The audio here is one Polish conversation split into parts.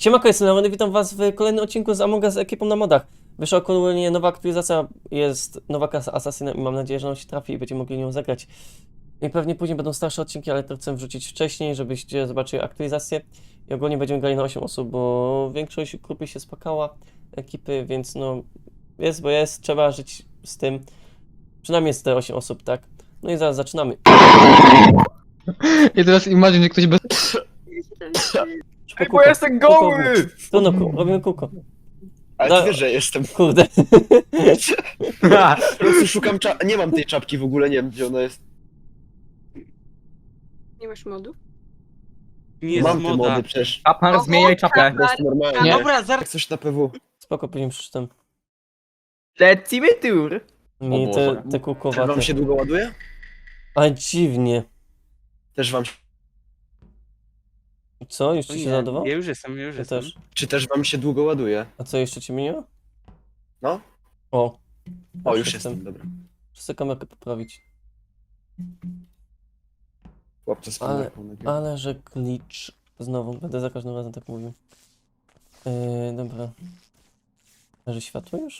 Siemanko, jestem Leony, witam was w kolejnym odcinku z Among Us z ekipą na modach. Wyszła aktualnie nowa aktualizacja, jest nowa klasa Assassinem i mam nadzieję, że nam się trafi i będziemy mogli nią zagrać. I pewnie później będą starsze odcinki, ale to chcę wrzucić wcześniej, żebyście zobaczyli aktualizację. I ogólnie będziemy grali na 8 osób, bo większość grupy się spakała, ekipy, więc no jest, bo jest, trzeba żyć z tym. Przynajmniej jest te 8 osób, tak? No i zaraz zaczynamy. I teraz imagine, że ktoś bez... Ej, bo ja jestem goły! Trudno, robimy kółko. Ale Da- ty wiesz, że jestem. Kurde. Po prostu szukam nie mam tej czapki w ogóle, nie wiem gdzie ona jest. Nie masz modów? Nie Mam z te moda. mody przecież. Kapan, zmieniaj czapę. Po prostu normalnie. Nie. Dobra, Jak zaraz. coś na PW. Spoko, później przeczytam. Lecimy tour. Mi O te Boże. Też kółkowate. wam się długo ładuje? A dziwnie. Też wam Co? Już ci się załadował? Ja już jestem, ja już Ja jestem. też. Czy też wam się długo ładuje? A co, jeszcze ci minęło? No. O. O, już jestem, dobra. Muszę kamerkę poprawić. Chłopcze z Ale- kamerką nagrywa. Ale że glitch. Znowu, będę za każdym razem tak mówił. Dobra. A że światło już?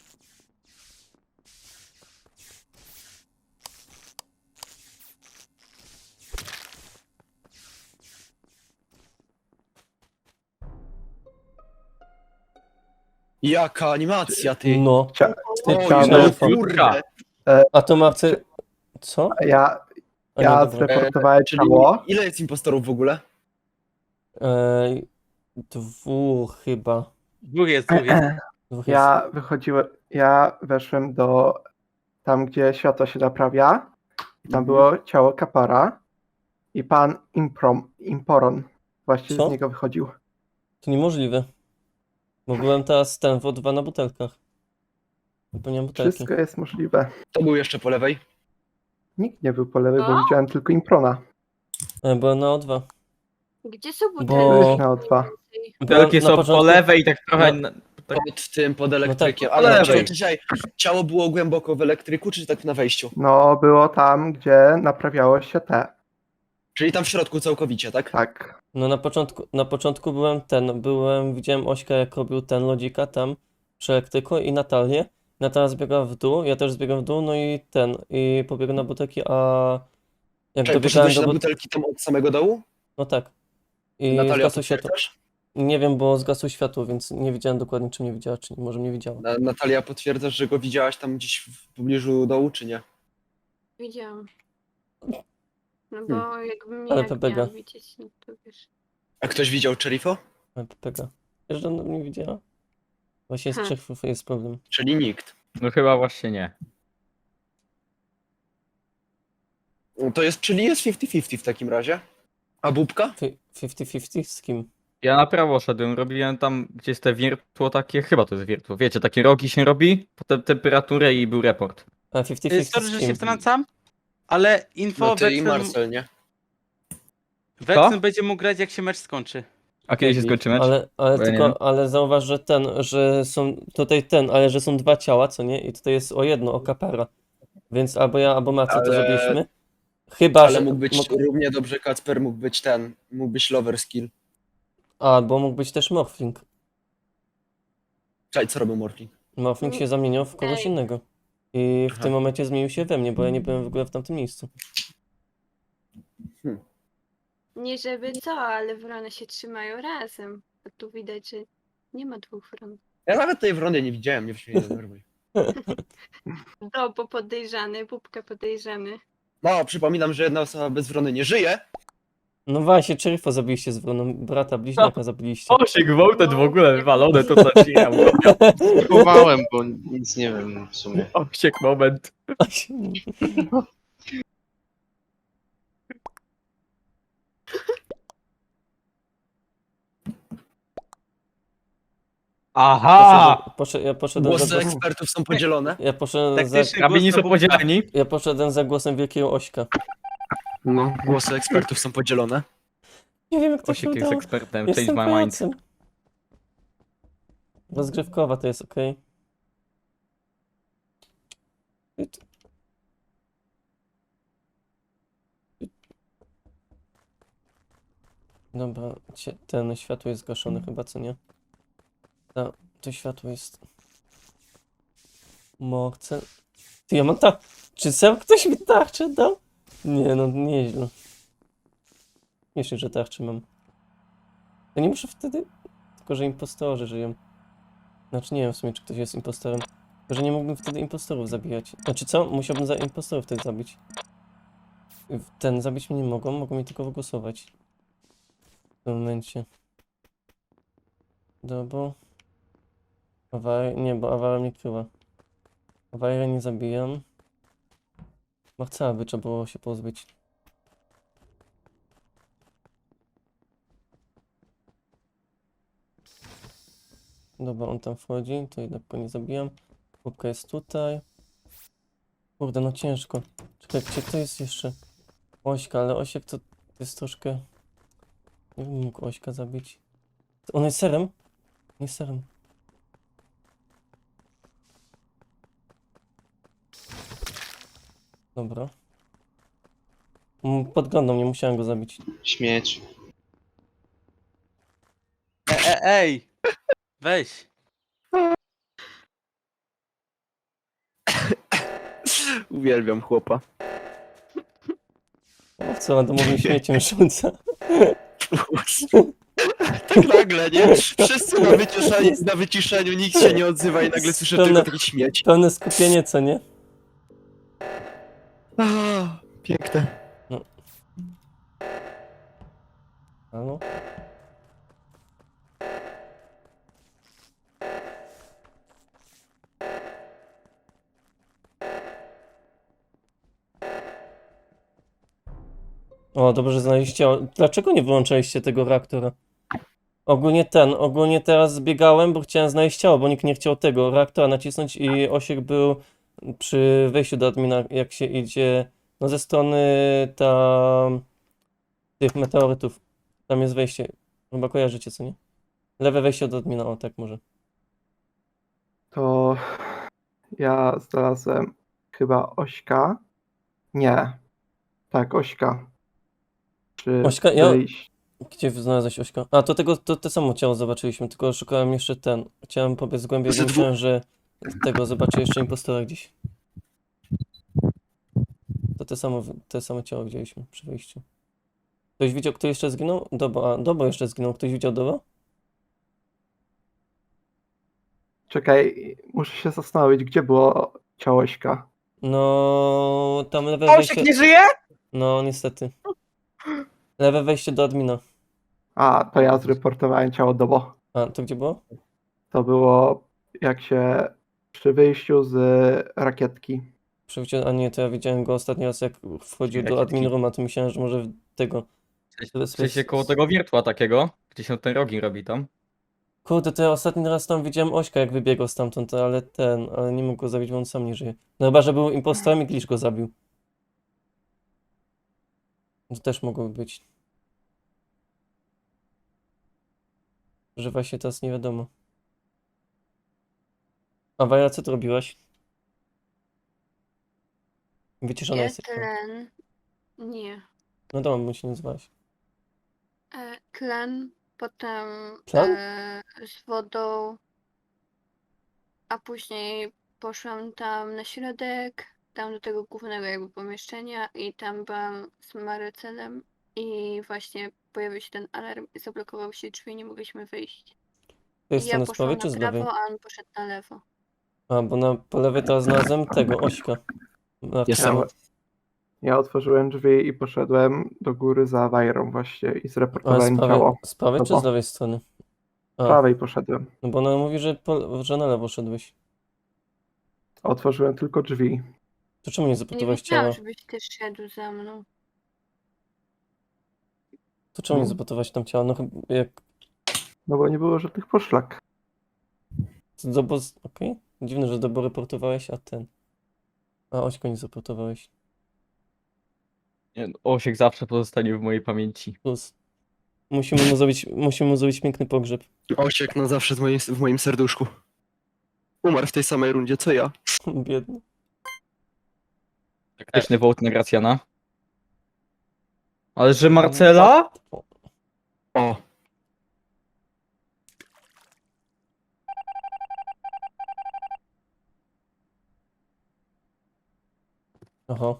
Jaka animacja, ty! No. Ty O, chciałem no, telefon. kurde! A to ma chce... Co? Ja A nie, dobra. zreportowałem Czyli ciało. ile jest impostorów w ogóle? Dwóch chyba. Dwóch jest, dwóch jest. Dwóch jest. Ja weszłem do tam, gdzie światło się naprawia. I tam Mhm. było ciało kapara. I pan Imporon właśnie Co? z niego wychodził. To niemożliwe. Bo byłem teraz ten w O2 na butelkach. Wypełniam butelki. Wszystko jest możliwe. To był jeszcze po lewej. Nikt nie był po lewej, bo No. widziałem tylko Improna. Byłem na O2. Gdzie są butelki? Bo- Byłeś na O2. Butelki na są początku- po lewej i tak trochę... No. Pod tym, pod elektrykiem. tak, Ale po czekaj, lewej. czekaj, ciało było głęboko w elektryku, czy tak na wejściu? No, było tam, gdzie naprawiało się te. Czyli tam w środku całkowicie, tak? Tak. No na początku widziałem Ośka jak robił ten lodzika tam przy elektryku i Natalię. Natalia zbiegła w dół, ja też zbiegłem w dół, no i pobiegłem na butelki, a jak Czekaj, dobiegałem poszedłeś do na butelki, butelki tam od samego dołu? no tak. I Natalia, zgasło światło. potwierdzasz? Nie wiem, bo zgasło światło, więc nie wiedziałem dokładnie, czy mnie widziała, czy nie, może mnie widziała. Natalia, potwierdzasz, że go widziałaś tam gdzieś w pobliżu dołu, czy nie? Widziałam. No bo jakby mnie Ale jak Pepega. miała widzieć, no to wiesz. A ktoś widział Cherifo? Pepega. Wiesz, że ona mnie widziała? Właśnie z Ha. trzech jest problem. Czyli nikt. No chyba właśnie nie. No to jest, czyli jest 50-50 w takim razie. A Bubka? 50-50 z kim? Ja na prawo szedłem, robiłem tam, gdzie jest te wiertło takie, chyba to jest wiertło, wiecie, takie rogi się robi, potem temperaturę i był report. A 50-50 Sorry, że z się kim? wtrącam, ale info No ty i Wexen Marcel, nie? Wexen będzie mógł grać jak się mecz skończy. A kiedy się skończy mecz? Ale Bo ja nie wiem. ale zauważ, że są tutaj ale że są dwa ciała, co nie? I tutaj jest o jedno, o kapara. Więc albo ja, albo Macy to Ale- zrobiliśmy. Chyba, Ale że mógł być równie dobrze Kacper, mógł być Lover Skill. albo mógł być też Morphling. Czekaj, co robił Morphling? Morphling się zamieniał w kogoś Ej. innego. I w Aha. tym momencie zmienił się we mnie, bo ja nie byłem w ogóle w tamtym miejscu. Nie żeby co, ale wrony się trzymają razem. A tu widać, że nie ma dwóch wron. Ja nawet tej wrony nie widziałem, nie mnie nie denerwuj. No, bo podejrzany, Bubka podejrzany. No, przypominam, że jedna osoba bez wrony nie żyje. No właśnie, Cherifo zabiliście z wroną, brata bliźniaka zabiliście. O, się gwałtet w ogóle wywalone, to co ci ja mówię. Próbowałem, bo nic nie wiem w sumie. Osiek moment. Aha! Ja poszedłem za Głosy głosem. ekspertów są podzielone. Ja poszedłem za, Taktyczny Rabini głos są to podzieleni. ja poszedłem za głosem wielkiego Ośka. No, głosy ekspertów są podzielone. Nie wiem, jak to się Osiek jest udało. ekspertem, Jestem change my mind. pajacem. Rozgrywkowa to jest ok. Dobra, ten światło jest zgaszone chyba, co nie? To światło jest... Chcę... Ty, ja mam Czy sam ktoś mi tarczę dał? Nie, no nieźle. Myślę, że tarczę mam. To nie muszę wtedy... Tylko, że impostorzy żyją. Znaczy nie wiem w sumie, czy ktoś jest impostorem. Tylko, że nie mógłbym wtedy impostorów zabijać. Znaczy co? Musiałbym za impostorów wtedy zabić. Ten zabić mnie nie mogą mi tylko wygłosować. W tym momencie. Dobra. Nie, bo awaria mnie kryła. Awaria nie zabijam. Chcę, aby trzeba było się pozbyć. Dobra, on tam wchodzi, to jednak go nie zabijam. Łupka jest tutaj. Kurde, no ciężko. Czekaj, gdzie to jest jeszcze? Ośka, ale Osiek to jest troszkę... Nie bym mógł Ośka zabić. On jest serem? Nie jest serem. Dobra. Podglądał mnie, musiałem go zabić. Śmieć. Ej! Weź. Uwielbiam chłopa. O, co randomowym śmieciem rzuca. Tak nagle, nie? Wszyscy na wyciszeniu, nikt się nie odzywa i nagle słyszę tylko taki śmieć. Pełne skupienie, co nie? Piękne. Halo? O, dobrze, że znaleźliście. Dlaczego nie wyłączaliście tego reaktora? Ogólnie teraz zbiegałem, bo chciałem znaleźć ciało, bo nikt nie chciał tego reaktora nacisnąć i Osiek był przy wejściu do admina, jak się idzie, no ze strony tych meteorytów. Tam jest wejście. Chyba kojarzycie, co nie? Lewe wejście do admina, o tak może. To ja znalazłem chyba Ośka. Nie. Tak, Ośka. Przy Ośka? wyjś- Gdzie znalazłeś Ośka? A, to te samo ciało zobaczyliśmy, tylko szukałem jeszcze ten. Chciałem pobiec głębiej, bo myślałem, że tego zobaczę jeszcze impostora gdzieś. To te samo ciało widzieliśmy przy wyjściu. Ktoś widział, kto jeszcze zginął? Dobo jeszcze zginął. Ktoś widział Dobo? Czekaj, muszę się zastanowić, gdzie było ciało Ośka. No, tam lewe Osiek wejście... nie żyje? No, niestety. Lewe wejście do admina. A, to ja zreportowałem ciało Dobo. A, to gdzie było? To było jak się przy wyjściu z rakietki. A nie, to ja widziałem go ostatni raz, jak wchodził do Rakietki. admin rooma, to myślałem, że może tego... W sensie koło tego wiertła takiego, gdzie się ten rogin robi tam. Kurde, to ja ostatni raz tam widziałem Ośka, jak wybiegał stamtąd, ale nie mógł go zabić, bo on sam nie żyje. No chyba, że był impostorem i Glitch go zabił. To też mogło być. Że właśnie teraz nie wiadomo. A Wajra, co ty robiłaś? Wyciszona jest. Tlen. Nie. No dobra, bo się nie nazwałaś. Tlen, potem Tlen? z wodą, a później poszłam tam na środek, tam do tego głównego jakby pomieszczenia i tam byłam z Marycelem i właśnie pojawił się ten alarm i zablokowały się drzwi i nie mogliśmy wyjść. To jest I ja strony z poszłam prawej na czy z lewej? prawo, a on poszedł na lewo. A, bo po lewej teraz znalazłem tego, Ośka. Jestem. Ja otworzyłem drzwi i poszedłem do góry za Wajrą właśnie i Ale zreportowałem ciało. z prawej czy Dobra. z lewej strony? Z A, prawej poszedłem. no bo ona mówi, że na lewo szedłeś. Otworzyłem tylko drzwi. To czemu nie Nie zaportowałeś wiedziałam, ciała? żebyś też szedł za mną. To czemu nie No. zaportowałeś tam ciała? No chyba jak... No bo nie było żadnych poszlak. Okej. Dziwne, że Dobo reportowałeś, a ten... A Ośko nie zaportowałeś. Nie, no, Osiek zawsze pozostanie w mojej pamięci. Plus. Musimy mu zrobić piękny pogrzeb. Osiek na zawsze w moim serduszku. Umarł w tej samej rundzie, co ja. Biedny. Taktyczny wołt na Gracjana. Ale że Marcela? O, Oho.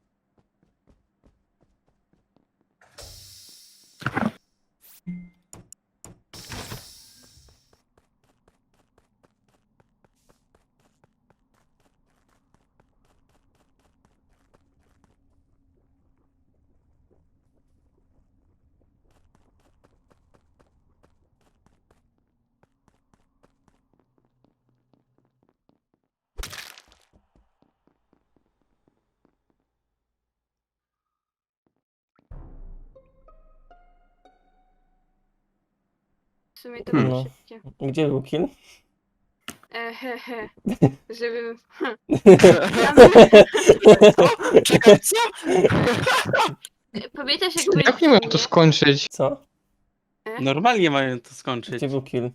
W sumie to było No. szybkie. Gdzie był kill? Hehe. Żebym... czekaj, co? Pamiętasz jak byliśmy... Jak nie miałem to skończyć? Co? Normalnie mają to skończyć. Gdzie był kill?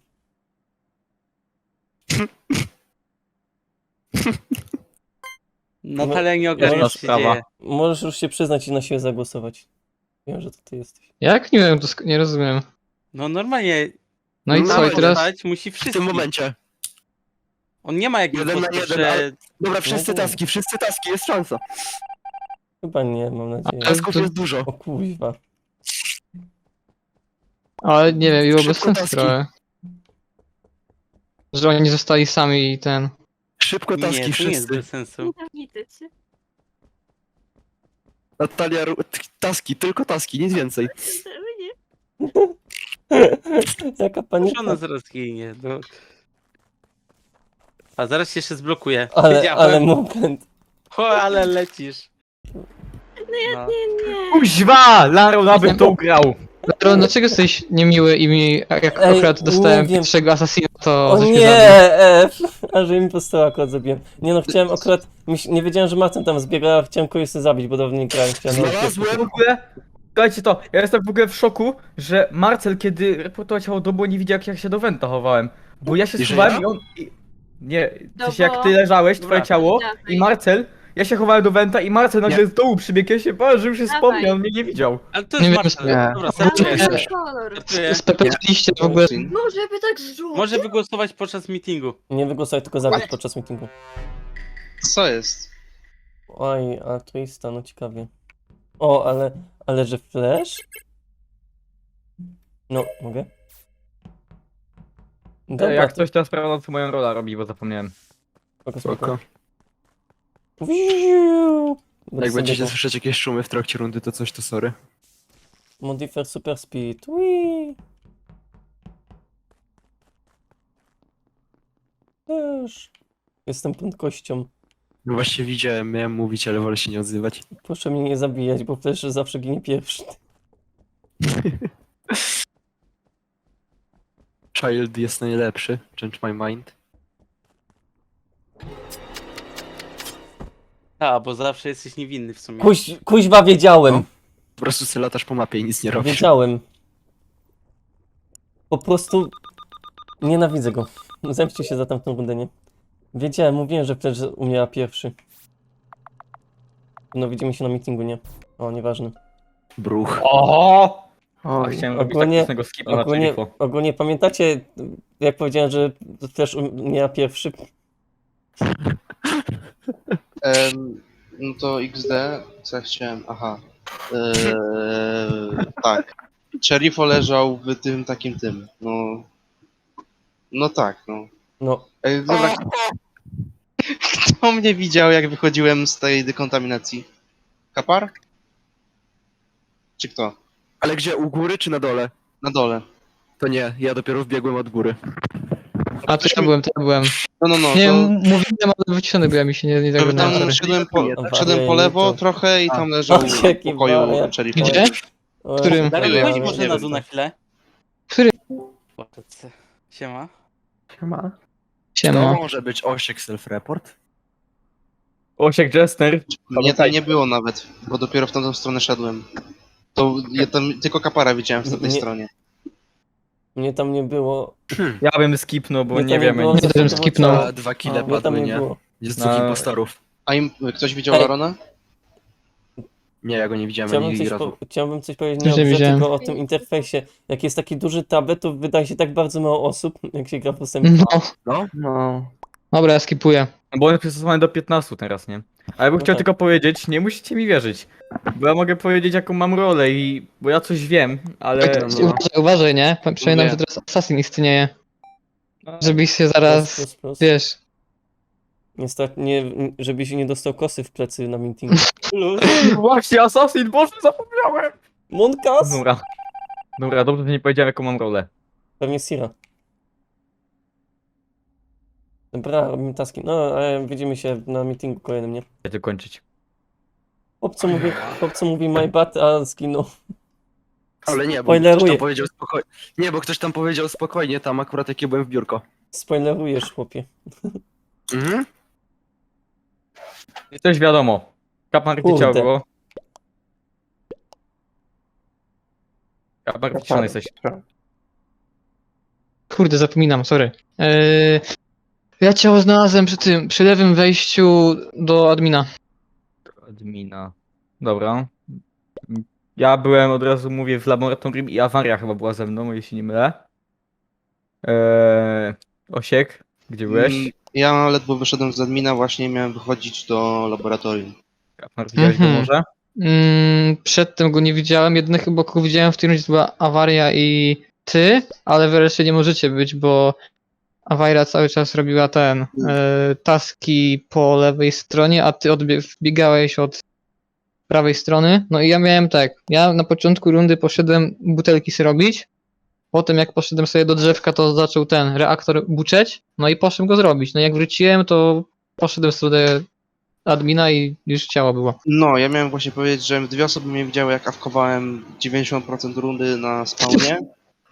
Natalia nie ogarnia, Jasna co się sprawa. dzieje. Możesz już się przyznać i na siebie zagłosować. Wiem, że to ty jesteś. Jak nie miałem to nie rozumiem. No normalnie. No i No, co, i teraz? Głosować musi W wszyscy. tym momencie. On nie ma jakby Jeden na głosu, jeden, że... ale- Dobra, wszyscy No. taski, jest szansa. Chyba nie, mam nadzieję. Tasków to- jest dużo. O kuźwa. Ale nie wiem, było bez Szybko sensu taski. trochę. Że oni zostali sami i ten... Szybko Nie, taski, to nie jest wszyscy. bez sensu. Nienawidzę cię. Natalia, taski, tylko taski, nic więcej. Nie. Jaka Może panika. ona zaraz ginie. No. A zaraz się jeszcze zblokuje. Ale Wiedziałem. moment. O, ale lecisz. Nie. Kuźwa! Laro nawet to ugrał. Dlatego, dlaczego jesteś niemiły i mi, jak Ej, akurat dostałem nie wiem. pierwszego asasina, to O żeś mnie nie, zabił. F! A że mi postoła akurat zabiłem. Nie no, chciałem akurat... Nie wiedziałem, że Marcin tam zbiega, a chciałem kogoś sobie zabić, bo dawno nie grałem. Chciałem W Znalazłem, ogóle, słuchajcie to, ja jestem w ogóle w szoku, że Marcel, kiedy reportował ciało do nie widział jak się do Wenta chowałem. Bo ja się I że schowałem ja? i on... Nie, w No sensie jak bo- ty leżałeś, Dobra. twoje ciało Dawaj. i Marcel, ja się chowałem do Wenta i Marcel nagle Nie. z dołu przybiegł, ja się bałem, że już się Dawaj. wspomniał, on mnie nie widział. Ale to Nie jest wiem, Marcel. nie. Dobra, Tam startuję. jest kolor. Startuję. Spepetiliście w ogóle... Może by tak zrzucić? Może wygłosować podczas meetingu. Nie wygłosuj, tylko zabić podczas meetingu. Co jest? Oj, a twista, no ciekawie. O, ale że flash? No, mogę? Dobra, Jak to- ktoś teraz sprawdzał, co moją rolę robi, bo zapomniałem. spoko, Spoko. spoko. Wiu! Jak będziecie słyszeć jakieś szumy w trakcie rundy, to coś to sorry. Modifier Super Speed. Whee! Też. Jestem prędkością. No właśnie widziałem, miałem mówić, ale wolę się nie odzywać. Proszę mnie nie zabijać, bo też zawsze ginie pierwszy. Child jest najlepszy, change my mind. A, bo zawsze jesteś niewinny w sumie. Kuźwa, wiedziałem. No. Po prostu sobie latasz po mapie i nic nie robisz. Wiedziałem. Po prostu nienawidzę go. Zemście się za tamtą rundę, nie? Wiedziałem, mówiłem, że przecież umiera pierwszy. No widzimy się na meetingu, nie? O, nieważne. Bruch. Oho! A Oj. chciałem robić Ogólnie- taktycznego skipa na Cherifo. Ogólnie pamiętacie, jak powiedziałem, że też umiera pierwszy? No to XD, co ja chciałem? Aha. Tak. Cherifo leżał w tym takim tym. No. No tak, no. No, Dobra. Kto mnie widział, jak wychodziłem z tej dekontaminacji? Kapar? Czy kto? Ale gdzie, u góry czy na dole? Na dole. To nie, ja dopiero wbiegłem od góry. A to ja byłem. No, Nie, to... mówiłem, ale wyciszony byłem i się nie Tam zagadnąłem, sorry. szedłem po lewo trochę i tam leżał w Jaki pokoju wariat. Cherifo. Gdzie? o, Którym? Darek, Nie chodź wiem, może nie na wiem. dół na chwilę. Który? Siema. Siema. Siema. może być Osiek self-report? Osiek Jester. Mnie tam nie było nawet, bo dopiero w tamtą stronę szedłem. To ja tam tylko kapara widziałem w tej Nie. stronie. Mnie tam nie było. Ja bym skipnął, bo Mnie nie tam wiemy. było, Nie, to bym to skipnął. było- A, 2 A, kile mnie tam padły, nie nie? było. Jest No. dwóch impostorów. A im, ktoś widział Ej. Larona? Nie, ja go nie widziałem ani razu. Chciałbym coś powiedzieć Też nie o nie grze, widziałem. tylko o tym interfejsie. Jak jest taki duży tablet, to wydaje się tak bardzo mało osób, jak się gra postępnie. No, No, No. dobra, ja skipuję. Bo on jest przystosowany do 15 teraz, nie? Ale ja bym No chciał tak. tylko powiedzieć, nie musicie mi wierzyć. Bo ja mogę powiedzieć jaką mam rolę bo ja coś wiem, ale... No. Uważaj, nie? Przypominam, Mówię. że teraz Assassin istnieje. No, Żebyś się Plus, zaraz, plus, plus. wiesz... Niestety, żebyś nie dostał kosy w plecy na meetingu. Właśnie, Assassin, Boże, zapomniałem! Monkas? Dobra, dobrze, że nie powiedziałem jaką mam rolę. Pewnie Sira. Dobra, robimy taski. No, ale widzimy się na meetingu kolejnym, nie? Chcecie kończyć. Chłopco mówi my bad, a zginął. ale nie, bo Spoileruję. ktoś tam powiedział spokojnie. Nie, bo ktoś tam powiedział spokojnie, tam akurat jak ja byłem w biurko. Spoilerujesz, chłopie. Mhm. I coś wiadomo. Kaplan gdzie Kurde. ciało było? Kaplan wyciszony jesteś. Kurde, zapominam, sorry. Ja ciało znalazłem przy lewym wejściu do admina. Admina. Dobra. Ja byłem, od razu mówię, w laboratorium i awaria chyba była ze mną, jeśli nie mylę. Osiek, gdzie byłeś? Ja ledwo wyszedłem z admina, właśnie miałem wychodzić do laboratorium. Kaplan, widziałeś go Mhm. może? Przedtem go nie widziałem, jedyne chyba kogo widziałem w którymś to była awaria i ty, ale wy reszcie nie możecie być, bo awaria cały czas robiła taski po lewej stronie, a ty wbiegałeś od prawej strony. No i ja miałem tak, ja na początku rundy poszedłem butelki sobie robić, potem jak poszedłem sobie do drzewka, to zaczął ten reaktor buczeć, no i poszedłem go zrobić. No jak wróciłem, to poszedłem w stronę admina i już ciało było. No, ja miałem właśnie powiedzieć, że dwie osoby mnie widziały, jak awkowałem 90% rundy na spawnie.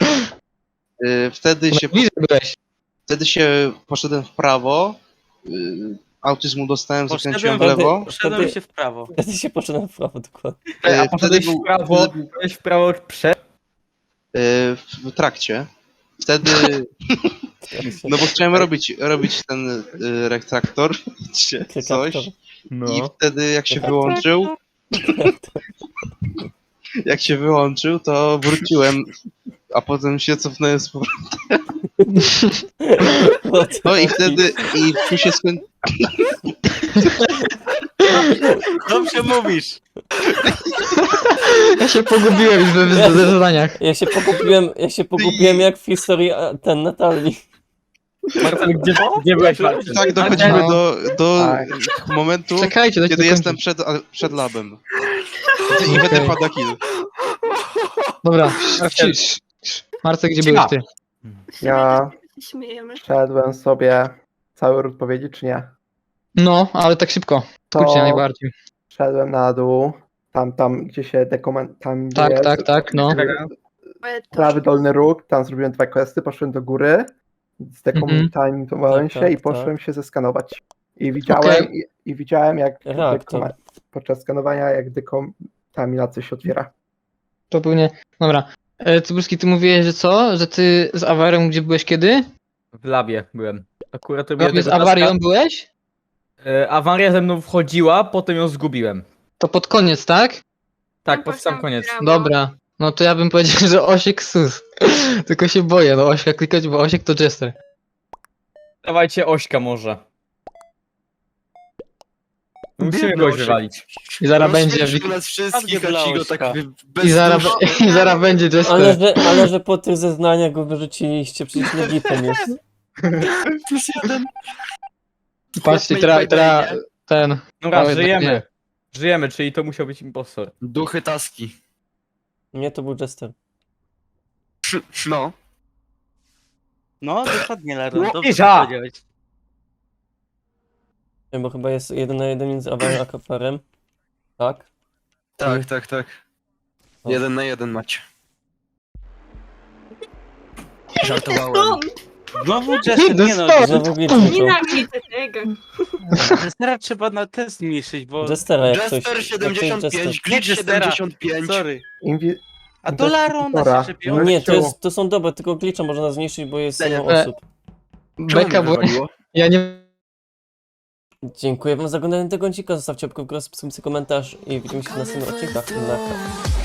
Wtedy się, Bliżej byłeś. wtedy się poszedłem w prawo, autyzmu dostałem, zakręciłem w lewo. Poszedłem się w prawo. Wtedy się poczyna w prawo, dokładnie. A Wtedy poszedłeś był w prawo, byłeś w prawo przed... w trakcie. Wtedy, no bo chciałem robić ten retraktor, czy coś. No. I wtedy jak się wyłączył, to wróciłem, a potem się cofnąłem z powrotem. No i wtedy, i tu się skończyło. Dobrze mówisz. Ja się pogubiłem już w zadaniach. Ja się pogubiłem jak w historii ten Natalii. Marcel, gdzie byłeś, Marcel? Tak dochodzimy No. do Tak. momentu, Czekajcie, dajcie kiedy jestem dokończyć. przed labem. I wtedy Okej. pada kill. Dobra, Marcel. Marcel, gdzie Cicho. byłeś ty? Ja się śmiejemy. szedłem sobie cały ród powiedzieć, czy nie? No, ale tak szybko. To Skrócie najbardziej. szedłem na dół, tam gdzie się tam gdzie Tak, jest tak, tak, no. Ale to prawy dolny róg, tam zrobiłem 2 questy, poszedłem do góry, zdekomentowałem Tak, się i tak, poszedłem się zeskanować. I widziałem, i widziałem jak Reaktor. podczas skanowania, jak dekontaminacja się otwiera. To pewnie. Dobra. Cybulski, ty mówiłeś, że co? Że ty z awarią gdzie byłeś kiedy? W labie byłem. Akurat No, robiłem z tego awarią taska. byłeś? Awaria ze mną wchodziła, potem ją zgubiłem. To pod koniec, tak? Tak, Ja pod sam poszłam w koniec. prawo. Dobra. No to ja bym powiedział, że Osiek sus. Tylko się boję, no Ośka klikać, bo Osiek to Jester. Dawajcie Ośka może. Musimy Biedny goś Osiek. wywalić. I zaraz będzie. Rozśmieszył nas wszystkich, a ci go tak I zaraz, i zaraz będzie Jester. Ale że po tych zeznaniach go wyrzuciliście, przecież legitem jest. Plus jeden. Patrzcie, ten. Dobra, Ale żyjemy. nie. Żyjemy, czyli to musiał być impostor. Duchy taski. Nie, to był Jester. No. No, dokładnie, Laron. Dobrze Łokiża! powiedziałeś. Nie, bo chyba jest 1 na 1 między awarią a kafarem. Tak? Tak. O. 1 na 1 macie. Żartowałem. Znowu Jester, nie no. Dostałem. Znowu glitch zaczął. Nienawidzę tego. Jestera trzeba na test zmniejszyć, bo... Jestera jak coś. Jester jak coś 75, Jester. glitch Jestera. 75. Sorry. Inwi- A do Larona Dobra. się czepią. Nie, to są dobre, tylko glitcha można zniszczyć, bo jest Nie, mało nie. osób. Czemu Beka, mnie bo wywaliło? ja nie Dziękuję wam za oglądanie tego odcinka, zostawcie łapkę w górę, subskrypcję, komentarz i widzimy się w następnych odcinkach. Na